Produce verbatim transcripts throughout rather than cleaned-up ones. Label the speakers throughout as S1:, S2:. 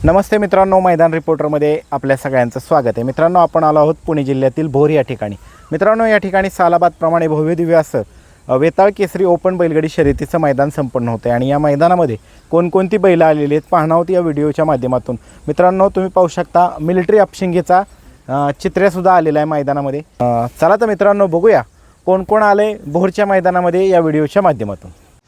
S1: नमस्ते मित्रांनो, मैदान रिपोर्टरमध्ये आपल्या सगळ्यांचं स्वागत आहे. मित्रांनो, आपण आलो आहोत पुणे जिल्ह्यातील भोर या ठिकाणी. मित्रांनो, या ठिकाणी सालाबादप्रमाणे भव्य दिव्य असं वेताळ केसरी ओपन बैलगाडी शर्यतीचं मैदान संपन्न होतं आहे आणि या मैदानामध्ये कोणकोणती बैलं आलेली आहेत पाहणार आहोत या व्हिडिओच्या माध्यमातून. मित्रांनो, तुम्ही पाहू शकता मिलिटरी अपशिंगेचा चित्रसुद्धा आलेला आहे मैदानामध्ये. चला तर मित्रांनो, बघूया कोण कोण आले भोरच्या मैदानामध्ये या व्हिडिओच्या माध्यमातून.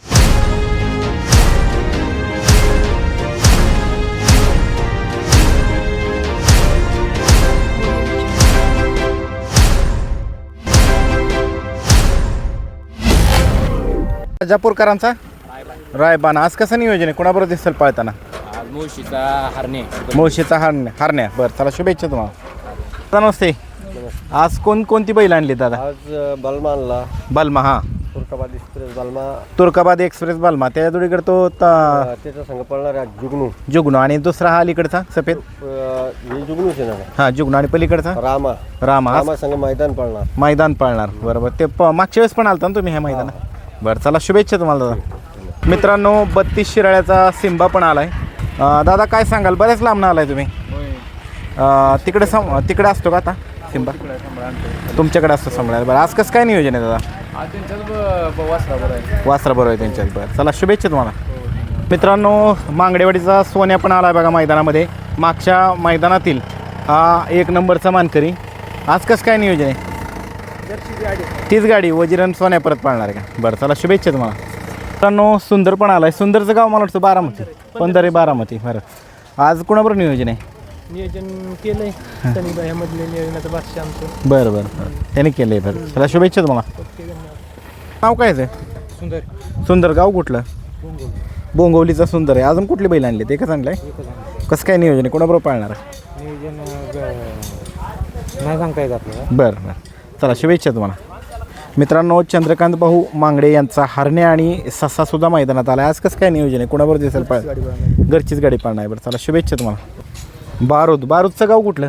S1: राजापूरकरांचा रायबान आज कसं नियोजन आहे, कोणाबरोबर दिसेल पळताना?
S2: आज मुळशीचा हरणे
S1: मुळशीचा हरण्या हरण्या बरं, चला शुभेच्छा तुम्हाला. नमस्ते. आज कोण कोणती बैल आणली दादा?
S3: आज बलमा आणला,
S1: बलमा. हा,
S3: तुर्काबाद एक्सप्रेस बलमा,
S1: तुर्काबाद एक्सप्रेस बलमा. त्या जोडीकडे तो त-
S3: त्याचा संघ पळणार आहे जुगनू.
S1: जुगनू आणि दुसरा हा अलीकडचा सफेद.
S3: हे जुगनूच आहे ना,
S1: हा, जुगनू आणि पलीकडचा
S3: रामा.
S1: रामा. आज
S3: रामा संघ मैदान पळणार.
S1: मैदान पाळणार बरोबर. ते प मागच्या वेळेस पण आलता ना तुम्ही ह्या मैदानात? बरं, चला शुभेच्छा तुम्हाला दादा. मित्रांनो, बत्तीस शिराळ्याचा सिंबा पण आलाय. अं, दादा काय सांगाल, बऱ्याच लांबनं आलाय तुम्ही. अं, तिकडे सम तिकडे असतो का आता सिंबा? तुमच्याकडे असतो सांभाळायला. बरं, आज कसं काय नियोजन आहे दादा? वासरा बरोबर आहे त्यांच्यात. बरं, चला शुभेच्छा तुम्हाला. मित्रांनो, मांगडेवाडीचा सोन्या पण आला बघा मैदानामध्ये. मागच्या मैदानातील हा एक नंबरचा मानकरी. आज कसं काय नियोजन आहे? तीच गाडी वजिरन सोन्या परत पाळणार आहे का? बरं, चला शुभेच्छा तुम्हाला. मित्रांनो, सुंदर पण आलाय. सुंदरचं गाव मला वाटतं बारामती, पंधरे बारामती. बरं, आज कोणाबरोबर नियोजन आहे?
S2: नियोजन केलंय सनीबाईमधले नियोजनाचं बादशाह आमचं.
S1: बरं बरं बरं, त्याने केलं आहे. बरं, चला शुभेच्छा तुम्हाला. नाव काय आहे?
S2: सुंदर.
S1: सुंदर. गाव कुठलं? बोंगवलीचा सुंदर आहे. अजून कुठली बैल आणली ते का चांगलं आहे? कसं काय नियोजन आहे, कोणाबरोबर पाळणार आहे?
S2: नियोजन नाही सांगता येत आपल्याला.
S1: बरं बरं, चला शुभेच्छा तुम्हाला. मित्रांनो, चंद्रकांत भाऊ मांगडे यांचा हरण्या आणि ससासुद्धा मैदानात आला. आज कसं काय नियोजन आहे, कोणाबरोबर दिसेल पाळ? घरचीच गाडी पाळणार आहे. बरं, चला शुभेच्छा तुम्हाला. बारूद. बारूदचं गाव कुठलं?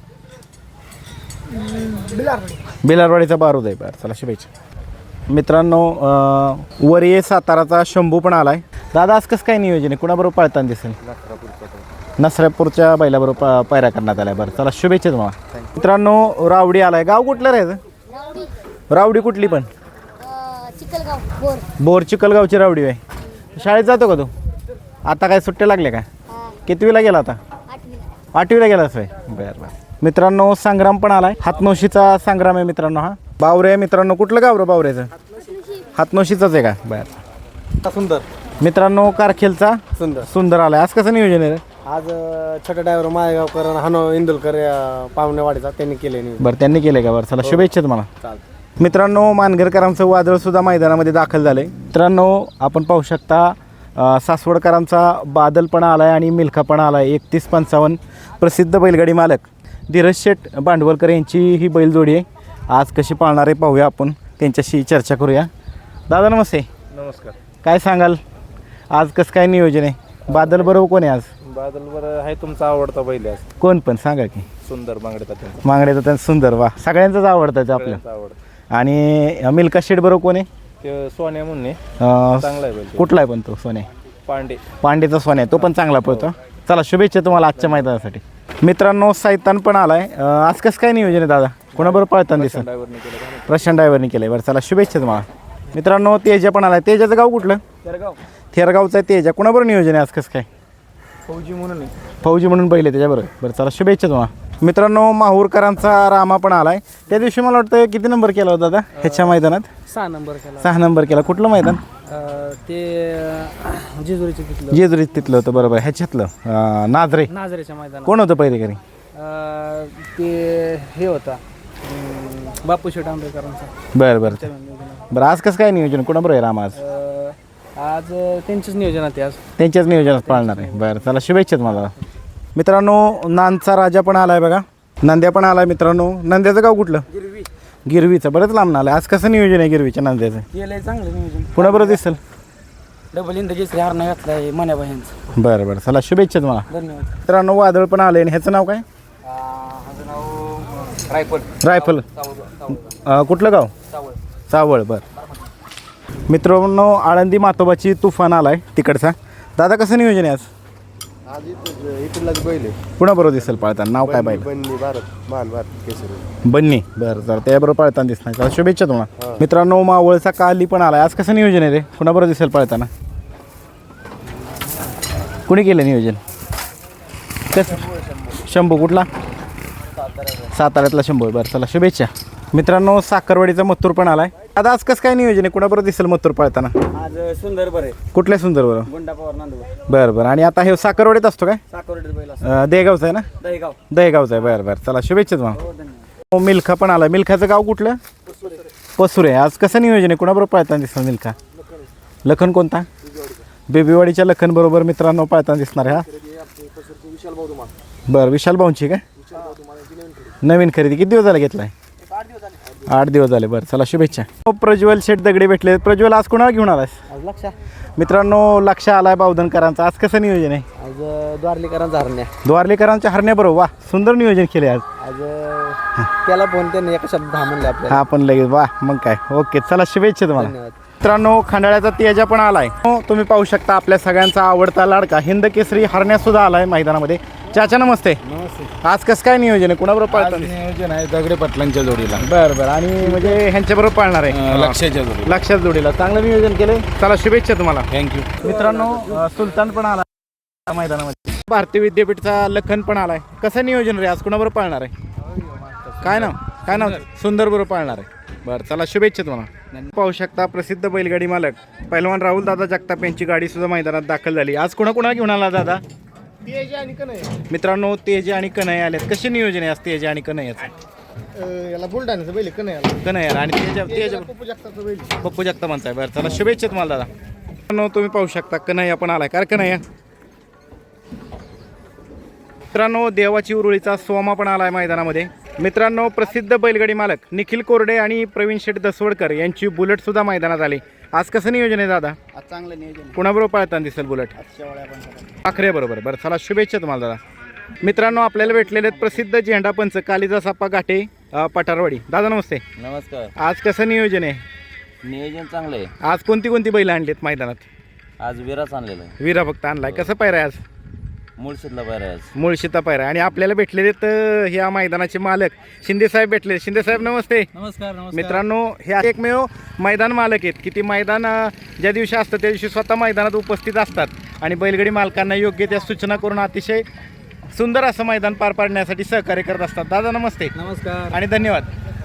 S1: बेलारवाडीचा बारूद आहे. बरं, चला शुभेच्छा. मित्रांनो, वरिये साताराचा शंभू पण आलाय. दादा आज कसं काय नियोजन आहे, कोणाबरोबर पाळताना दिसेल? नसरापूरच्या बैलाबरोबर पा पायऱ्या करण्यात आल्या. बरं, चला शुभेच्छा तुम्हाला. मित्रांनो, रावडी आलाय. गाव कुठलं राहायचं? रावडी कुठली पण?
S4: चिखलगाव बोर.
S1: बोर चिखलगावची रावडी आहे. शाळेत जातो का तू? आता काय सुट्ट्या लागल्या का? कितवीला गेला आता? आठवीला गेलाच आहे. बरं बरं. मित्रांनो, संग्राम पण आलाय. हातनोशीचा संग्राम आहे मित्रांनो. हा, बावरे आहे मित्रांनो. कुठलं गाव रे बावऱ्याचं? हातनोशीचाच आहे का? बरं.
S3: सुंदर.
S1: मित्रांनो, कारखेलचा
S3: सुंदर
S1: सुंदर आलाय. आज कसं नियोजन आहे रे?
S3: आज छोटा ड्रायव्हर माळेगावकर हानो इंदुलकर पाहुणेवाडीचा त्यांनी केले.
S1: बरं, त्यांनी केलं का? बरं, चला शुभेच्छा तुम्हाला. मित्रांनो, मानगरकरांचं वादळ सुद्धा मैदानामध्ये दाखल झालं आहे. मित्रांनो, आपण पाहू शकता सासवडकरांचा बादलपणा आला आहे आणि मिल्खापणा आला आहे. एकतीस पंचावन्न प्रसिद्ध बैलगाडी मालक धीरज शेठ भांडवलकर यांची ही बैलजोडी आहे. आज कशी पाळणार आहे पाहूया, आपण त्यांच्याशी चर्चा करूया. दादा नमस्ते.
S3: नमस्कार.
S1: काय सांगाल, आज कसं काय नियोजन आहे? बादल बरोबर कोण आहे आज?
S3: बादल बरं आहे. तुमचा आवडता बैल आहे
S1: कोण पण सांगा की.
S3: सुंदर मांगडे.
S1: मांगडे तर सुंदर. वा, सगळ्यांचंच आवडतं आपलं.
S3: आवडत.
S1: आणि मिल्का शेठ बरोबर कोण आहे?
S3: ते सोन्या म्हणून
S1: अं,
S3: चांगला आहे बैल.
S1: कुठला आहे पण तो? सोने
S3: पांडे.
S1: पांडेचा सोने आहे, तो पण चांगला पळतो. चला शुभेच्छा तुम्हाला आजच्या मैदानासाठी. मित्रांनो, सैतान पण आलाय. अं, आज कसं काय नियोजन आहे दादा, कोणाबरोबर पळताना दिसत?
S3: ड्रायव्हरने केलं.
S1: प्रशांत ड्रायव्हरने केलं. बरं, चला शुभेच्छा तुम्हाला. मित्रांनो, तेजा पण आलाय. तेजाचं गाव कुठलं?
S3: तेरगाव.
S1: थेरगावचं आहे तेजा. कोणाबरोबर नियोजन आहे आज कसं काय?
S3: फौजी म्हणून
S1: फौजी म्हणून बैल आहे त्याच्याबरोबर. बरं, चला शुभेच्छा तुम्हाला. मित्रांनो, माहूरकरांचा रामा पण आलाय. त्या दिवशी मला वाटतं किती नंबर केला होता दादा ह्याच्या मैदानात?
S2: सहा नंबर केला.
S1: सहा नंबर केला. कुठलं मैदान?
S2: ते जेजुरीचं तिथलं
S1: जेजुरीत तिथलं होतं बरोबर. ह्याच्यातलं अं, नाझरे.
S2: नाझरेच्या मैदानात.
S1: कोण होतं पहिरेकरी?
S2: ते हे होता बापू शेठ आंबेकरांचा.
S1: बरं बरं बरं. आज कसं काय नियोजन, कोणाबरोबर आहे राम आज?
S2: आज त्यांचंच नियोजन आहे. आज
S1: त्यांच्याच नियोजनात पाळणार आहे. बरं, चला शुभेच्छा तुम्हाला. मित्रांनो, नांदचा राजा पण आलाय बघा. नंद्या पण आलाय. मित्रांनो, नंद्याचं गाव कुठलं?
S2: गिरवी.
S1: गिरवीचं. बरंच लांब आलाय. आज कसं नियोजन आहे गिरवीच्या नंद्याचं?
S2: केलंय चांगलं नियोजन.
S1: कोणाबरोबर दिसेल?
S2: डबल इंद्रजीत हार नाही घातला आहे मन्याबाईंचं.
S1: बरं बरं, चला शुभेच्छा तुम्हाला.
S2: धन्यवाद.
S1: मित्रांनो, वादळ पण आलंय. आणि ह्याचं नाव काय?
S2: माझं नाव रायफल.
S1: रायफल. अं, कुठलं गाव?
S2: सावळ.
S1: सावळ. बरं. मित्रांनो, आळंदी मातोबाची तुफान आलाय तिकडचा. दादा कसं नियोजन आहे आज?
S3: आज इथं इथलाच बैल आहे
S1: कुणाबरोबर दिसेल पळताना नाव काय बैल
S3: बन्नी भारत महान भारत केसरी.
S1: बन्नी बरं जर त्याबरोबर पळताना दिसणार चला शुभेच्छा तुम्हाला मित्रांनो. मावळचा काली पण आलाय आज कसं नियोजन आहे रे कुणाबरोबर दिसेल पळताना कुणी केलं नियोजन कसं शंभू कुठला साताऱ्यातला शंभू बरं चला शुभेच्छा मित्रांनो. साखरवाडीचा मत्तूर पण आलाय आता आज कसं काय नियोजन आहे कुणाबरोबर दिसेल मत्तूर पळताना
S5: आज सुंदर बरे
S1: कुठल्या सुंदर बरोबर
S5: गुंडा पवार नांदूर
S1: बरं बरं आणि आता हे साखरवाडीत असतो काय
S5: साकोर्डे बैल
S1: अं, देगावचं आहे ना
S5: दहीगाव
S1: दहेगावचं आहे बरं बरं चला शुभेच्छा तुम्हाला. हो मिल्खा पण आला मिल्खाचं गाव कुठलं पसुरे आज कसं नियोजन आहे कुणाबरोबर पळताना दिसणार मिल्खा लखन कोणता बेबीवाडीच्या लखन बरोबर मित्रांनो पळताना दिसणार हा बरं विशाल भाऊंची काय नवीन खरेदी किती दिवस झाला घेतलाय आठ दिवस झाले बरं चला शुभेच्छा. हो, प्रज्वल शेठ दगडे भेटले प्रज्वल आज कुणाला घेऊन आलास
S5: आज लक्षा
S1: मित्रांनो लक्ष आलाय बावधनकरांचा आज कसं नियोजन आहे
S5: आज द्वारलीकरांचा हरण्या
S1: द्वारलेकरांच्या हरण्याबरोबर वा सुंदर नियोजन केले आज
S5: आज त्याला फोन त्यांनी एका शब्द दहा म्हणले आपल्याला.
S1: हा पण लगेच वा मग काय ओके चला शुभेच्छा तुम्हाला.
S5: धन्यवाद.
S1: मित्रांनो खंडाळ्याचा तेजा पण आलाय हो, तुम्ही पाहू शकता आपल्या सगळ्यांचा आवडता लाडका हिंद केसरी हरण्या सुद्धा आलाय मैदानामध्ये. चाचा नमस्ते आज कसं काय नियोजन आहे कुणाबरोबर पाळतात
S6: नियोजन आहे दगडे पाटलांच्या जोडीला
S1: बरं बरं आणि म्हणजे ह्यांच्याबरोबर पाळणार आहे
S6: लक्षाच्या जोडीला.
S1: लक्षात जोडीला चांगलं नियोजन केलंय चला शुभेच्छा तुम्हाला.
S6: थँक्यू.
S1: मित्रांनो अ, सुलतान पण आला मैदानामध्ये भारतीय विद्यापीठचा लखन पण आलाय कसं नियोजन रे आज कुणाबरोबर पाळणार आहे काय नाव काय नाव सुंदर बरोबर पाळणार आहे बरं चला शुभेच्छा तुम्हाला. पाहू शकता प्रसिद्ध बैलगाडी मालक पैलवान राहुल दादा जगताप यांची गाडी सुद्धा मैदानात दाखल झाली. आज कुणा कुणा घेऊन आला दादा
S3: तेज आणि कन्हैया
S1: मित्रांनो तेजे आणि कन्हैया आलेत कसे नियोजन आहे आज तेजे आणि कन्हैयाचं
S3: याला बुलढाण्याचं बैल कन्हैयाला
S1: कन्हैया आणि तेजा तेजा
S3: पप्पू जगतापचं बैल.
S1: पप्पू जगताप म्हणताय बरं चला शुभेच्छा तुम्हाला दादा. मित्रांनो तुम्ही पाहू शकता कन्हैया पण आलाय काय कन्हैया मित्रांनो देवाची उरुळीचा सोमा पण आलाय मैदानामध्ये. मित्रांनो प्रसिद्ध बैलगाडी मालक निखिल कोरडे आणि प्रवीण शेठ दसवडकर यांची बुलेट सुद्धा मैदानात आली. आज कसं नियोजन आहे दादा
S5: आज चांगलं नियोजन
S1: कुणाबरोबर पळताना दिसेल बुलेट आखरे बरोबर बरं चला शुभेच्छा तुम्हाला दादा. मित्रांनो आपल्याला भेटलेले आहेत प्रसिद्ध झेंडा पंच कालिदास आप्पा घाटे अ, पठारवाडी दादा नमस्ते
S5: नमस्कार.
S1: आज कसं नियोजन आहे
S5: नियोजन चांगलं आहे.
S1: आज कोणती कोणती बैल आणलीत मैदानात
S5: आज विराच आणलेला आहे.
S1: वीरा फक्त आणलाय कसं पायरा आज
S5: मुळशीतला बाहेर आहे आज.
S1: मुळशीता पायरा आणि आपल्याला भेटलेले तर ह्या मैदानाचे मालक शिंदे साहेब भेटले. शिंदे साहेब नमस्ते.
S2: नमस्कार नमस्कार
S1: मित्रांनो हे एकमेव मैदान मालक आहेत की ती मैदान अ, ज्या दिवशी असतं त्या दिवशी स्वतः मैदानात उपस्थित असतात आणि बैलगाडी मालकांना योग्य त्या सूचना करून अतिशय सुंदर असं मैदान पार पाडण्यासाठी सहकार्य करत असतात. दादा नमस्ते
S2: नमस्कार
S1: आणि धन्यवाद.